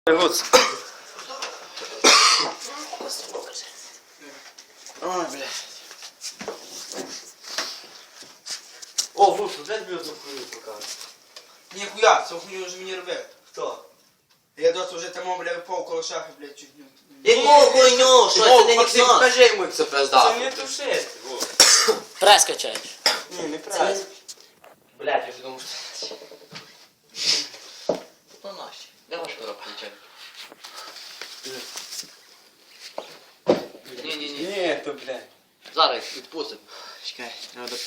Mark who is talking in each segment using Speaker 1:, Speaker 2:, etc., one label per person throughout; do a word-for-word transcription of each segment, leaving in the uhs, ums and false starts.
Speaker 1: Вот.
Speaker 2: Ой, блядь.
Speaker 1: О, Вушу, дай мені одну хуйню покажу.
Speaker 2: Ніхуя, цю хуйню вже мені робити.
Speaker 1: Хто?
Speaker 2: Я досі вже там, бля, випав коло шахи, блядь, чуть не...
Speaker 3: Яку хуйню? Що це не
Speaker 2: Максим,
Speaker 3: гіпноз?
Speaker 2: покажи йому, як це
Speaker 1: Це
Speaker 2: пизда.
Speaker 1: не тушити, Вуш.
Speaker 3: Прес качаєш.
Speaker 2: Ні, не
Speaker 3: Це
Speaker 2: правильно.
Speaker 3: не...
Speaker 1: Блядь, я вже думав, що це.
Speaker 3: Ну наші. Де ваш коробка нічого? Ні-ні-ні.
Speaker 1: Ні, то, блядь.
Speaker 3: Зараз відпустимо.
Speaker 2: Чекай, треба до...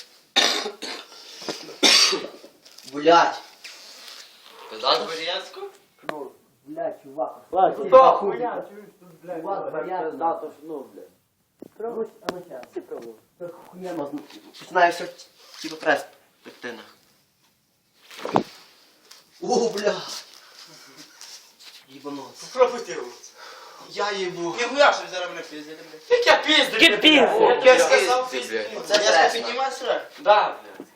Speaker 3: Блять. Пиздато?
Speaker 1: Варіантську?
Speaker 2: Ну, блядь, чувак.
Speaker 1: Хто хуйня? Чуєш тут, блядь?
Speaker 2: Чувак, варіант.
Speaker 3: Пиздато, ну, блядь.
Speaker 2: Пробуй, а ну щас. Ти пробуй. Хуйня, починає все, типу, прес пектина.
Speaker 3: О, бля.
Speaker 2: Їбанот.
Speaker 1: Попробуйте його.
Speaker 2: Я їбу. Ніхуя, що зараз мене пиздили, блядь.
Speaker 1: Як я пізду?
Speaker 3: Яке пізду?
Speaker 1: Як я сказав,
Speaker 3: Ти,
Speaker 1: пізду.
Speaker 3: блядь.
Speaker 2: Це я піднімаю срак.
Speaker 1: Да, блядь.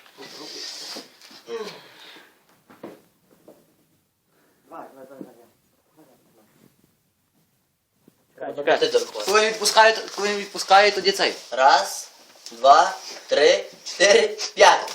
Speaker 3: Чекай, ти дорогой. Коли він відпускає, коли він відпускає, тоді цей. Раз, два, три, чотири, п'ять.